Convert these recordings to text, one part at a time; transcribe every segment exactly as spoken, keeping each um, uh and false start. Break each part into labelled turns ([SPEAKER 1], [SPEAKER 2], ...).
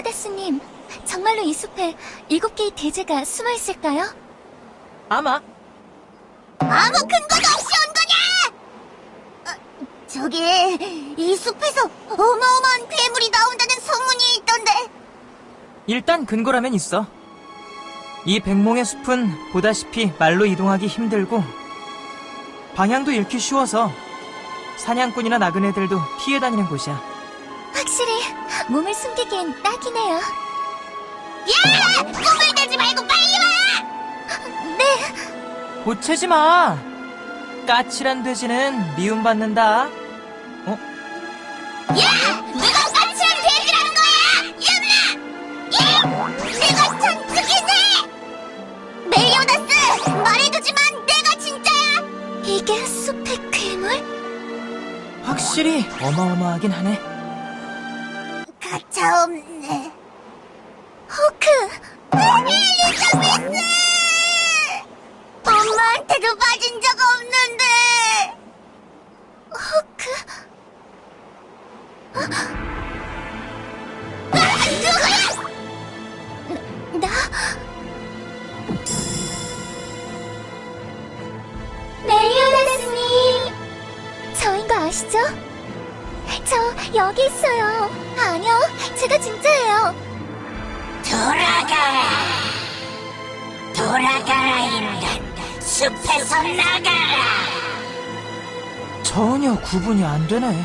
[SPEAKER 1] 멜리오다스님, 정말로 이 숲에 일곱 개의 대제가 숨어 있을까요?
[SPEAKER 2] 아마.
[SPEAKER 3] 아무 근거도 없이 온 거냐? 어, 저기 이 숲에서 어마어마한 괴물이 나온다는 소문이 있던데.
[SPEAKER 2] 일단 근거라면 있어. 이 백몽의 숲은 보다시피 말로 이동하기 힘들고 방향도 잃기 쉬워서 사냥꾼이나 나그네들도 피해 다니는 곳이야.
[SPEAKER 1] 확실히 몸을 숨기기엔 딱이네요.
[SPEAKER 3] 야! 꿈을 대지 말고 빨리 와!
[SPEAKER 1] 네,
[SPEAKER 2] 보채지 마. 까칠한 돼지는 미움받는다. 어?
[SPEAKER 3] 야! 누가 까칠한 돼지라는 거야! 염라! 야! 내가 천특이네! 멜리오다스! 말해두지만 내가 진짜야!
[SPEAKER 1] 이게 숲의 괴물?
[SPEAKER 2] 확실히 어마어마하긴 하네.
[SPEAKER 3] 가차없네.
[SPEAKER 1] 호크!
[SPEAKER 3] 엘리자베스! 엄마한테도 빠진 적 없는데.
[SPEAKER 1] 호크?
[SPEAKER 3] 아, 누구야?
[SPEAKER 1] 나? 멜리오다스님! 저인 거 아시죠? 저 여기 있어요. 아니요, 제가 진짜예요.
[SPEAKER 3] 돌아가라. 돌아가라, 인간. 숲에서 나가라.
[SPEAKER 2] 전혀 구분이 안 되네.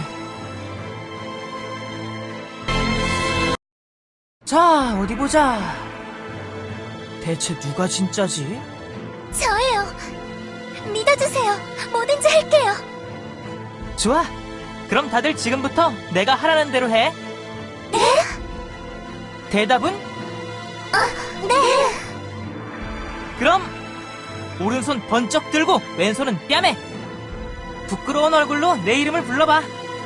[SPEAKER 2] 자, 어디 보자. 대체 누가 진짜지?
[SPEAKER 1] 저예요. 믿어주세요. 뭐든지 할게요.
[SPEAKER 2] 좋아. 그럼 다들 지금부터 내가 하라는 대로 해.
[SPEAKER 1] 네?
[SPEAKER 2] 대답은?
[SPEAKER 1] 네.
[SPEAKER 2] 그럼 오른손 번쩍 들고 왼손은 뺨에. 부끄러운 얼굴로 내 이름을 불러봐.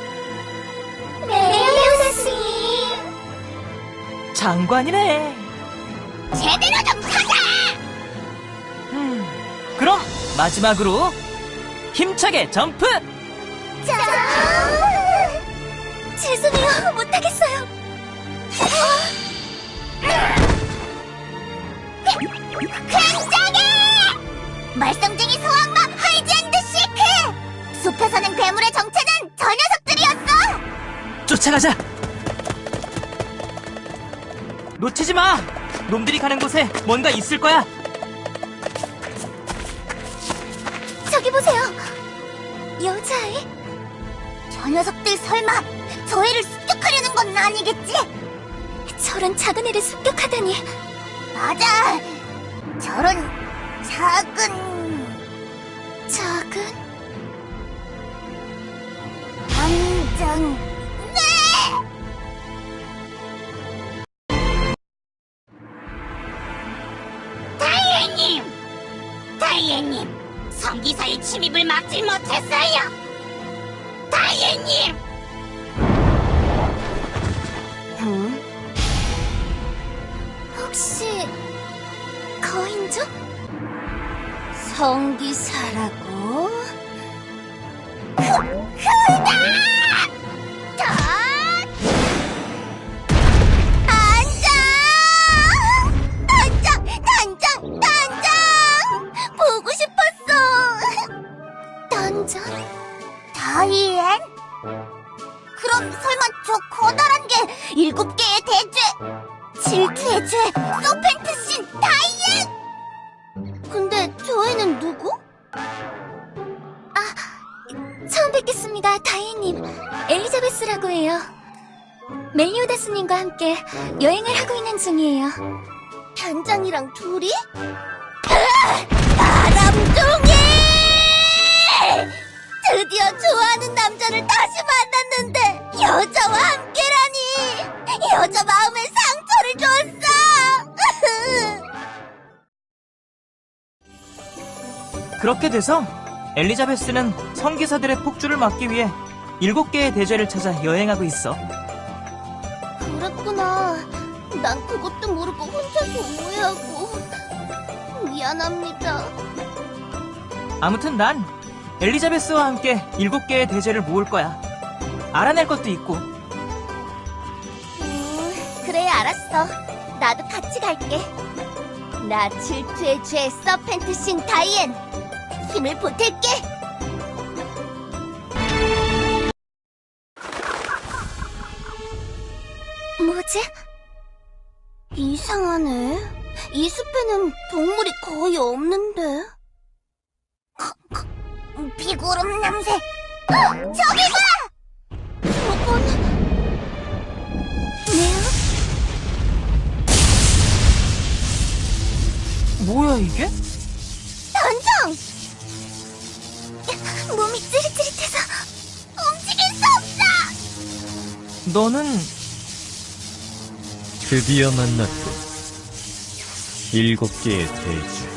[SPEAKER 1] 멜리오다스님.
[SPEAKER 2] 장관이네.
[SPEAKER 3] 제대로 좀 찾아.
[SPEAKER 2] 음, 그럼 마지막으로 힘차게 점프!
[SPEAKER 1] 자. 죄송해요. 못하겠어요.
[SPEAKER 3] 굉장해! 말썽쟁이 소악마 하이즈앤드 시크! 숲에 사는 괴물의 정체는 저 녀석들이었어!
[SPEAKER 2] 쫓아가자. 놓치지 마. 놈들이 가는 곳에 뭔가 있을 거야.
[SPEAKER 1] 저기 보세요. 여자아이?
[SPEAKER 3] 저 녀석들 설마 저 애를 습격하려는 건 아니겠지?
[SPEAKER 1] 저런 작은 애를 습격하다니.
[SPEAKER 3] 맞아! 저런 작은...
[SPEAKER 1] 작은?
[SPEAKER 3] 당장... 네! 다이애님! 다이애님! 성기사의 침입을 막지 못했어요! 다이애님!
[SPEAKER 1] 응? 혹시 거인족?
[SPEAKER 3] 성기사라고? 그, 그다! 다! 단장! 단장! 단장! 단장! 보고 싶었어!
[SPEAKER 1] 단장?
[SPEAKER 3] 다이앤? 그럼 설마 저 커다란 게 일곱 개의 대죄! 질투의 죄! 서펜트신 다이앤! 근데 저 애는 누구?
[SPEAKER 1] 처음 뵙겠습니다, 다이님. 엘리자베스라고 해요. 멜리오다스님과 함께 여행을 하고 있는 중이에요.
[SPEAKER 3] 단장이랑 둘이? 바람둥이! 드디어 좋아하는 남자를 다시 만났는데 여자와 함께라니! 여자 마음에 상처를 줬어!
[SPEAKER 2] 그렇게 돼서 엘리자베스는 성기사들의 폭주를 막기 위해 일곱 개의 대죄를 찾아 여행하고 있어.
[SPEAKER 3] 그랬구나. 난 그것도 모르고 혼자서 오해하고. 미안합니다.
[SPEAKER 2] 아무튼 난 엘리자베스와 함께 일곱 개의 대죄를 모을 거야. 알아낼 것도 있고.
[SPEAKER 3] 음, 그래 알았어. 나도 같이 갈게. 나 질투의 죄 서펜트 신 다이앤. 힘을 보탤게.
[SPEAKER 1] 뭐지?
[SPEAKER 3] 이상하네. 이 숲에는 동물이 거의 없는데. 비구름 냄새. 어, 저기 봐! 저건
[SPEAKER 1] 네요?
[SPEAKER 2] 뭐야 이게?
[SPEAKER 3] 단장!
[SPEAKER 1] 몸이 찌릿찌릿해서
[SPEAKER 3] 움직일 수 없어!
[SPEAKER 2] 너는
[SPEAKER 4] 드디어 만났군. 일곱 개의 대주.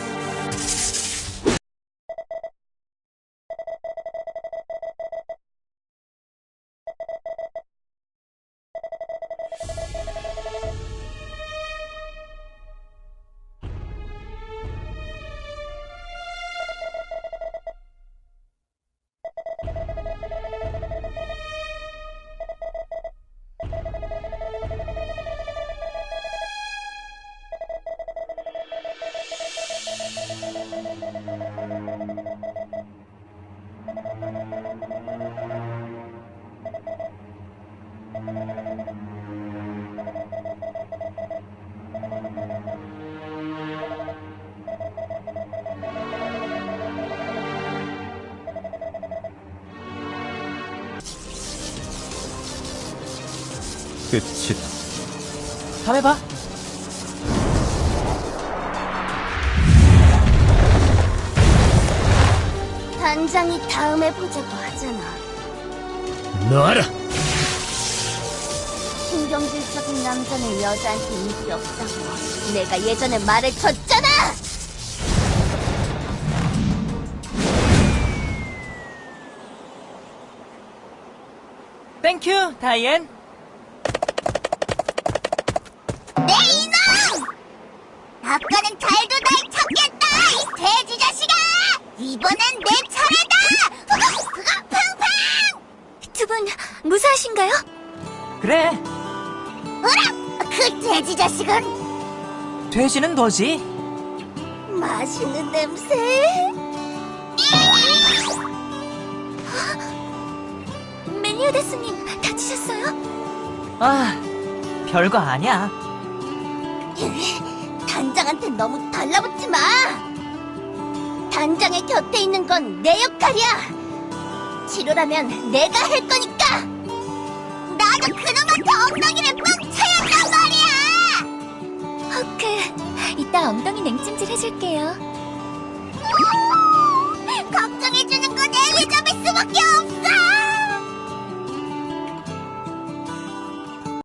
[SPEAKER 4] 끝이다.
[SPEAKER 2] 다음에 봐.
[SPEAKER 3] 단장이 다음에 보자고 하잖아.
[SPEAKER 4] 놔라!
[SPEAKER 3] 신경질적인 남자는 여자한테 인기 없다고 내가 예전에 말을 줬잖아!
[SPEAKER 2] 땡큐 다이앤.
[SPEAKER 3] 내 이놈! 아까는 잘도 날 찾겠다, 이 돼지 자식아! 이번엔 내 차례다! 후각, 후각, 팡팡!
[SPEAKER 1] 두 분 무사하신가요?
[SPEAKER 2] 그래,
[SPEAKER 3] 어라! 그 돼지 자식은
[SPEAKER 2] 돼지는 너지.
[SPEAKER 3] 맛있는 냄새.
[SPEAKER 1] 멜리오다스님 다치셨어요?
[SPEAKER 2] 아, 별거 아니야.
[SPEAKER 3] 단장한테 너무 달라붙지 마! 단장의 곁에 있는 건 내 역할이야! 치료라면 내가 할 거니까! 나도 그놈한테 엉덩이를 뻥 차였단 말이야!
[SPEAKER 1] 허크, 이따 엉덩이 냉찜질 해줄게요.
[SPEAKER 3] 걱정해주는 건 엘리자베스밖에 없어!